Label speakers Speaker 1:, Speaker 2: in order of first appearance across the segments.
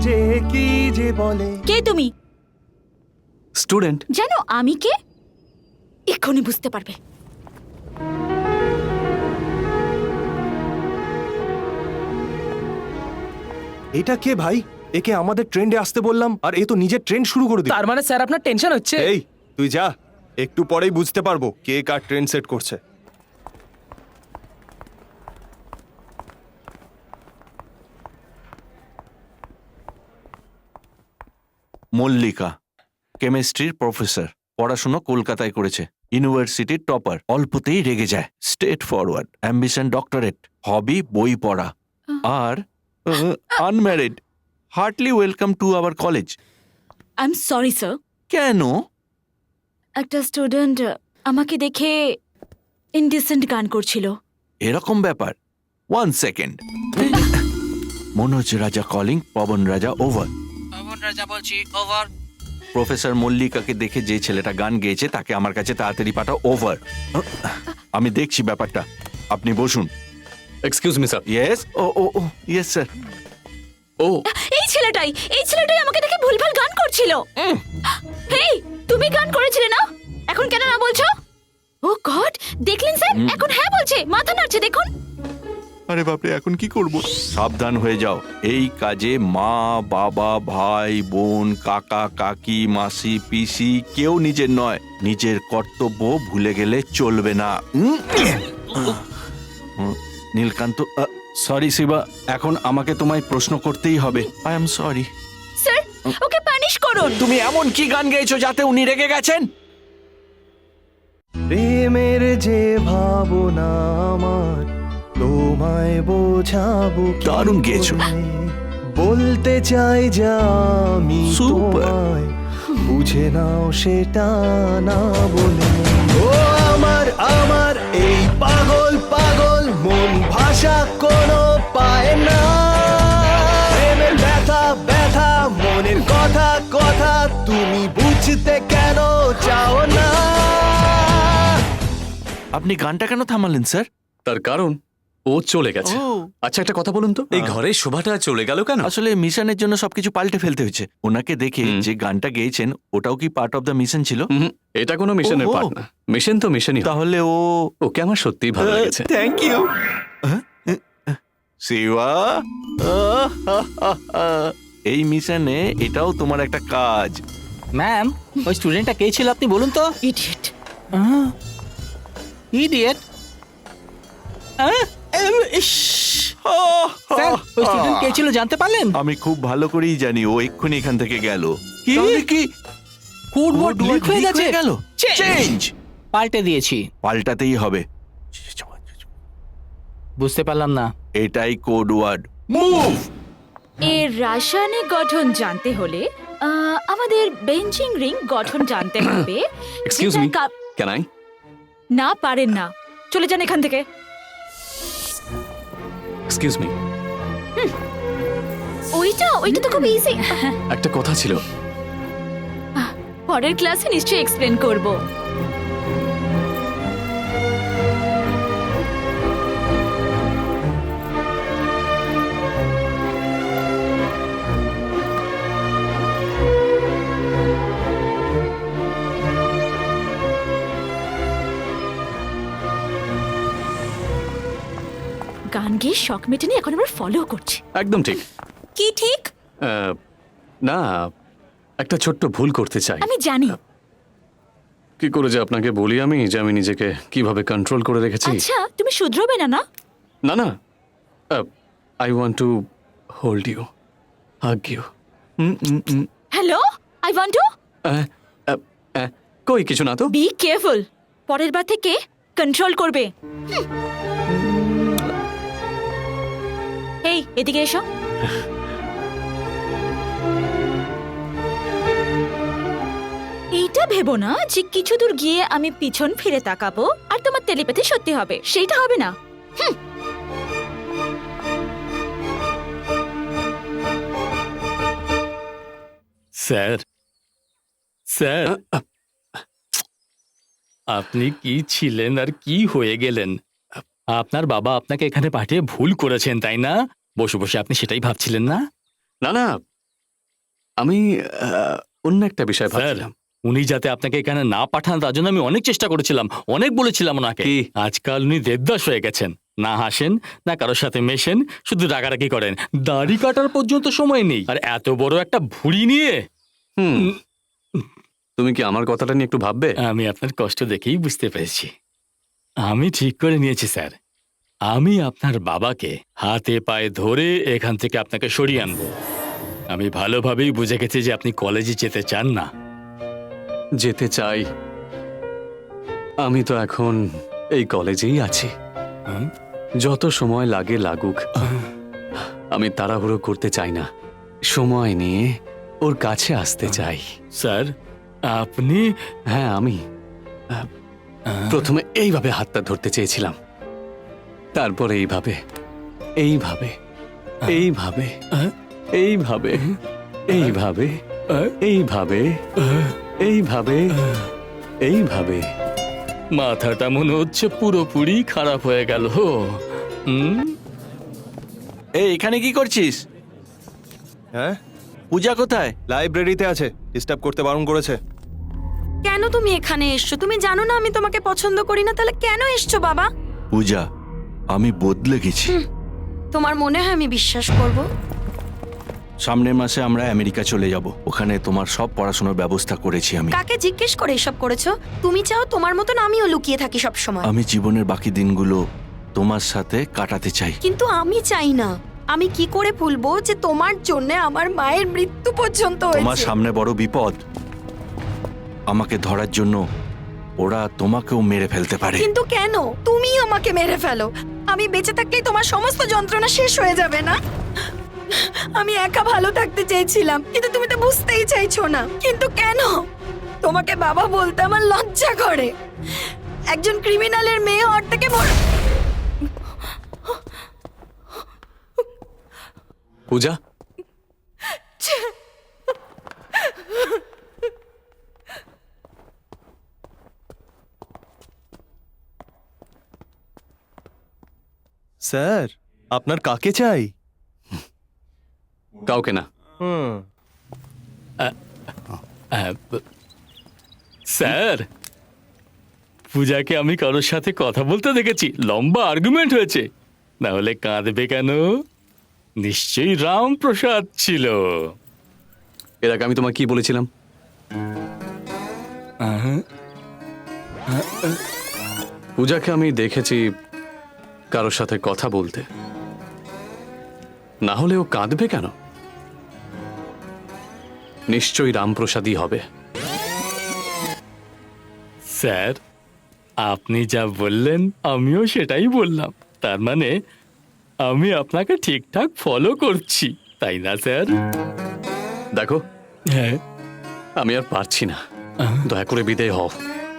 Speaker 1: যে কি যে বলে।
Speaker 2: কে তুমি?
Speaker 3: স্টুডেন্ট।
Speaker 2: জানো আমি কে? এক্ষুনি বুঝতে পারবে।
Speaker 1: এটা কে ভাই? একে আমাদের ট্রেন্ডে আসতে বললাম আর এ তো নিজের ট্রেন্ড শুরু করে দিল।
Speaker 3: তার মানে স্যার আপনার টেনশন হচ্ছে?
Speaker 1: এই তুই যা, একটু পরেই বুঝতে পারবো কে কার ট্রেন্ড সেট করছে।
Speaker 4: মল্লিকা কেমিস্ট্রির প্রফেসর, পড়াশোনা কলকাতায় করেছে, ইউনিভার্সিটির টপার, অল্পতেই রেগে যায়, straightforward, ambition doctorate, hobby বই পড়া, আর unmarried. Heartily welcome to our college.
Speaker 2: I am sorry sir.
Speaker 4: কেন?
Speaker 2: একটা স্টুডেন্ট আমাকে দেখে ইনডিসেন্ট গান করছিল।
Speaker 4: এরকম ব্যাপার? 1 সেকেন্ড। মনোজ রাজা কলিং, পবন রাজা ওভার।
Speaker 5: পবন রাজা বলছি, ওভার।
Speaker 4: প্রফেসর মল্লিকাকে দেখে যে ছেলেটা গান গেয়েছে তাকে আমার কাছে তাড়াতাড়ি পাঠাও, ওভার। আমি দেখছি ব্যাপারটা, আপনি বসুন।
Speaker 3: Excuse me sir.
Speaker 4: ইয়েস, ও ও ও ইয়েস স্যার।
Speaker 3: ও
Speaker 2: এই ছেলেটাই আমাকে দেখে ভুলভাল গান করছিল। হেই, তুমি গান করেছিলে না? এখন কেন না বলছো? ও গড, দেখলেন স্যার? এখন হ্যাঁ বলছে, মাথা নাড়ছে, দেখুন।
Speaker 4: আরে বাপরে, এখন কি করব? সাবধান হয়ে যাও, এই কাজে মা বাবা ভাই বোন কাকা কাকি মাসি পিসি কেউ নিজের নয়, নিজের কর্তব্য ভুলে গেলে চলবে না। নীলকান্ত, সরি শিবা, এখন আমাকে তোমায় প্রশ্ন করতেই হবে। আই এম সরি
Speaker 2: স্যার, ওকে পানিশ করুন।
Speaker 4: তুমি এমন কি গান গেয়েছো যাতে উনি রেগে গেছেন?
Speaker 1: প্রেমের যে ভাবনা আমার, তোমায় বোঝাবো কি
Speaker 4: দারুণ গেয়েছো।
Speaker 1: করে? বলতে চাই যা আমি
Speaker 4: Super.
Speaker 1: তোমায়, বুঝে নাও সেটা না বলে। ও আমার আমার এই পাগল পাগল মন, ভাষা কোনো পায় না। প্রেমের ব্যথা ব্যথা, মনের কথা কথা, তুমি বুঝতে কেন চাও না?
Speaker 4: আপনি গানটা কেন থামালেন স্যার?
Speaker 3: তার কারণ ও চলে গেছে। আচ্ছা একটা কথা বলুন তো, এই ঘরের শোভাটা চলে গেল কেন?
Speaker 4: আসলে মিশনের জন্য সবকিছু পাল্টে ফেলতে হয়েছে। ওনাকে দেখে যে গানটা গেয়েছেন ওটাও কি পার্ট অফ দ্য মিশন ছিল?
Speaker 3: এটা কোনো মিশনের
Speaker 4: ওহো।
Speaker 3: পার্ট না। মিশন তো মিশনই হয়।
Speaker 4: তাহলে
Speaker 3: ওকে আমার সত্যিই ভালো লেগেছে।
Speaker 4: Thank you Shiba. এই মিশনে এটাও তোমার একটা কাজ।
Speaker 5: ম্যাম, ওই স্টুডেন্টটা কে ছিল আপনি বলুন তো?
Speaker 2: ইডিয়েট।
Speaker 5: ইডিয়েট। স্যার, ওই স্টুডেন্ট কে ছিল জানতে পারলেন?
Speaker 4: আমি খুব ভালো করেই জানি ও এক্ষুনি এখান থেকে গেল।
Speaker 5: কি?
Speaker 4: তাহলে কি
Speaker 5: কোডওয়ার্ড লিক হয়ে গেছে?
Speaker 4: গেল? চেঞ্জ
Speaker 5: পাল্টে দিয়েছি।
Speaker 4: পাল্টাতেই হবে।
Speaker 5: বুঝতে পারলাম না।
Speaker 4: এটাই কোড ওয়ার্ড, মুভ।
Speaker 2: এর রাসায়নিক গঠন জানতে হলে আমাদের বেঞ্চিং রিং গঠন জানতে হবে।
Speaker 3: Excuse me, can I?
Speaker 2: না, পারেন না, চলে যান এখান থেকে।
Speaker 3: এক্সকিউজ মি,
Speaker 2: ওইটা তো খুব ইজি।
Speaker 3: একটা কথা ছিল।
Speaker 2: পরের ক্লাসে নিশ্চয়ই এক্সপ্লেন করব। গান গেয়ে শখ মেটেনি, এখন আবার ফলো করছে।
Speaker 3: একদম ঠিক।
Speaker 2: কি ঠিক?
Speaker 3: না, একটা ছোট্ট ভুল করতে চাই।
Speaker 2: আমি জানি।
Speaker 3: কি করে যে আপনাকে বলি আমি যে আমি নিজেকে কিভাবে কন্ট্রোল করে রেখেছি।
Speaker 2: আচ্ছা, তুমি শুধরোবে না? না
Speaker 3: না না, I want to hold you, hug you.
Speaker 2: Hello, I want to.
Speaker 3: কই কিছু না তো।
Speaker 2: বি কেয়ারফুল, পরের বার থেকে কন্ট্রোল করবে। এই, এদিকে এসো। এইটা ভেবো না যে কিছু দূর গিয়ে আমি পিছন ফিরে তাকাবো আর তোমার টেলিপ্যাথি সত্যি হবে, সেইটা হবে না।
Speaker 6: স্যার, স্যার, আপনি কি ছিলেন আর কি হয়ে গেলেন? আপনার বাবা আপনাকে এখানে পাঠিয়ে ভুল করেছেন, তাই না? বসে বসে আপনি সেটাই ভাবছিলেন না?
Speaker 3: না না, আমি অন্য একটা বিষয়
Speaker 6: স্যার
Speaker 3: ভাবছিলাম।
Speaker 6: উনি যাতে আপনাকে এখানে না পাঠান তার জন্য আমি অনেক চেষ্টা করেছিলাম, অনেক বলেছিলাম ওনাকে।
Speaker 3: কি?
Speaker 6: আজকাল উনি দেবদাস হয়ে গেছেন, না হাসেন না কারোর সাথে মেশেন, শুধু রাগারাগি করেন, দাড়ি কাটার পর্যন্ত সময় নেই, আর এত বড় একটা ভুঁড়ি নিয়ে।
Speaker 3: হুম, তুমি কি আমার কথাটা নিয়ে একটু ভাববে?
Speaker 6: আমি আপনার কষ্ট দেখেই বুঝতে পেরেছি। আমি ঠিক করে নিয়েছি স্যার, আমি আপনার বাবাকে হাতে পায়ে ধরে এখান থেকে আপনাকে সরিয়ে আনবো। আমি ভালোভাবেই বুঝে গেছি যে আপনি কলেজে যেতে চান না।
Speaker 3: যেতে চাই। আমি তো এখন এই কলেজেই আছি।
Speaker 6: হুম?
Speaker 3: যত সময় লাগে লাগুক, আমি তাড়াহুড়ো করতে চাই না। সময় নিয়ে ওর কাছে আসতে চাই।
Speaker 6: স্যার আপনি
Speaker 3: হ্যাঁ, আমি প্রথমে এইভাবে হাতটা ধরতে চেয়েছিলাম, তারপরে এইভাবে, এইভাবে, এইভাবে, এইভাবে, এইভাবে, এইভাবে, এইভাবে, এইভাবে।
Speaker 6: মাথাটা মনে হচ্ছে পুরোপুরি খারাপ হয়ে গেল। হুম?
Speaker 4: এই এখানে কি করছিস?
Speaker 1: হ্যাঁ,
Speaker 4: পূজা কোথায়?
Speaker 1: লাইব্রেরিতে আছে, ডিস্টার্ব করতে বারণ করেছে।
Speaker 7: কেন তুমি এখানে এসছো? তুমি জানো না আমি তোমাকে পছন্দ করি না, তাহলে কেন এসছো বাবা?
Speaker 4: পূজা, আমি বদলে গেছি।
Speaker 7: তোমার মনে হয় আমি বিশ্বাস করব?
Speaker 4: সামনের মাসে আমরা আমেরিকা চলে যাব, ওখানে তোমার সব পড়াশোনার ব্যবস্থা করেছি আমি।
Speaker 7: কাকে জিজ্ঞেস করে এসব করেছো? তুমি চাও তোমার মতন আমিও লুকিয়ে থাকি সব সময়,
Speaker 4: আমি জীবনের বাকি দিনগুলো তোমার সাথে কাটাতে চাই।
Speaker 7: কিন্তু আমি চাই না। আমি কি করে ভুলবো যে তোমার জন্য আমার মায়ের মৃত্যু পর্যন্ত
Speaker 4: তোমার
Speaker 7: হয়েছে?
Speaker 4: সামনে বড় বিপদ, আমাকে ধরার জন্য ওরা তোমাকেও মেরে ফেলতে পারে।
Speaker 7: কিন্তু কেন? তুমি আমাকে মেরে ফেলো, আমি বেঁচে থাকলেই তোমার সমস্ত যন্ত্রণা শেষ হয়ে যাবে না? আমি একা ভালো থাকতে চেয়েছিলাম, কিন্তু তুমি তো বুঝতেই চাইছো না। কিন্তু কেন? তোমাকে বাবা বলতে আমার লজ্জা করে। একজন ক্রিমিনালের মেয়ে হওয়ার থেকে
Speaker 3: পূজা,
Speaker 1: স্যার, আপনার কাকে চাই?
Speaker 3: কাউকে না।
Speaker 1: হুম,
Speaker 6: স্যার পূজাকে আমি কারোর সাথে কথা বলতে দেখেছি, লম্বা আর্গুমেন্ট হয়েছে, না হলে কাঁদবে কেন? নিশ্চয়ই রামপ্রসাদ ছিল।
Speaker 3: এর আগে আমি তোমায় কি বলেছিলাম? পূজাকে আমি দেখেছি কারোর সাথে কথা বলতে, না হলে ও কাঁদবে কেন? নিশ্চয়ই রামপ্রসাদই হবে।
Speaker 6: স্যার আপনি যা বললেন আমিও সেটাই বললাম, তার মানে আমি আপনাকে ঠিকঠাক ফলো করছি, তাই না স্যার?
Speaker 3: দেখো,
Speaker 6: হ্যাঁ।
Speaker 3: আমি আর পারছি না, দয়া করে বিদায় হও।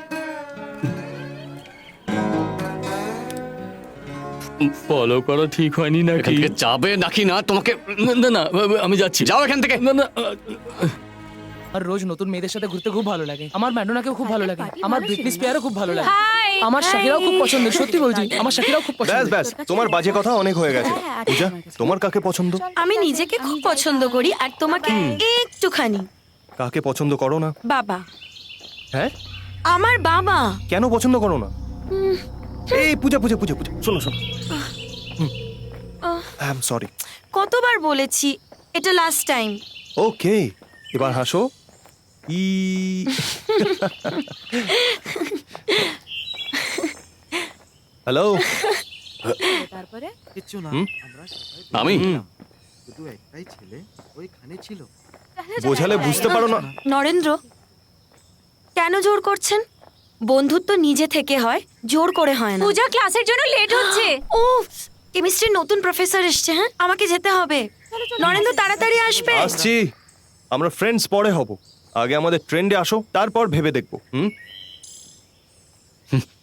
Speaker 6: ফলো করা ঠিক হয়নি
Speaker 3: এখান
Speaker 6: নাকি?
Speaker 3: থেকে যাবে নাকি না তোমাকে?
Speaker 6: না না না, আমি যাচ্ছি।
Speaker 3: যাও এখান থেকে।
Speaker 6: না না,
Speaker 8: আর রোজ নতুন মেয়েদের সাথে ঘুরতে খুব ভালো লাগে। আমার ম্যাডোনাকেও খুব ভালো লাগে, আমার ব্রিটনি স্পিয়ারও খুব ভালো লাগে,
Speaker 2: হাই
Speaker 8: আমার শাকিরাও খুব পছন্দের। সত্যি বলছি, আমার শাকিরাও খুব
Speaker 1: ব্যাস
Speaker 8: পছন্দের।
Speaker 1: ব্যাস, তোমার বাজে কথা অনেক হয়ে গেছে। পূজা, তোমার কাকে পছন্দ?
Speaker 7: আমি নিজেকে খুব পছন্দ করি, আর তোমাকে একটুখানি।
Speaker 1: কাকে পছন্দ করো না?
Speaker 7: বাবা,
Speaker 1: হ্যাঁ,
Speaker 7: আমার বাবা।
Speaker 1: কেন পছন্দ করো না? এই পূজা পূজা পূজা পূজা, শোনো শোনো, আই এম সরি।
Speaker 7: কতবার বলেছি, এটা লাস্ট টাইম।
Speaker 1: ওকে, এবার হাসো। ই হ্যালো।
Speaker 9: কিচ্ছু না,
Speaker 1: হুম?
Speaker 9: আমরা সবাই
Speaker 3: আমি
Speaker 9: শুধু একটাই ছেলে ওইখানে ছিল।
Speaker 1: বোঝালে বুঝতে পারো না?
Speaker 7: নরেন্দ্র, কেন জোর করছেন? বন্ধুত্ব নিজে থেকে হয়, জোর করে হয় না।
Speaker 2: পূজা ক্লাসের জন্য লেট হচ্ছে।
Speaker 7: ও, কেমিস্ট্রির নতুন প্রফেসর এসছে। হ্যাঁ, আমাকে যেতে হবে। নরেন্দ্র তাড়াতাড়ি আসবে।
Speaker 1: আসছি, আমরা ফ্রেন্ডস পরে হব। আগে আমাদের ট্রেন্ডে আসো, তারপর ভেবে দেখবো। হুম,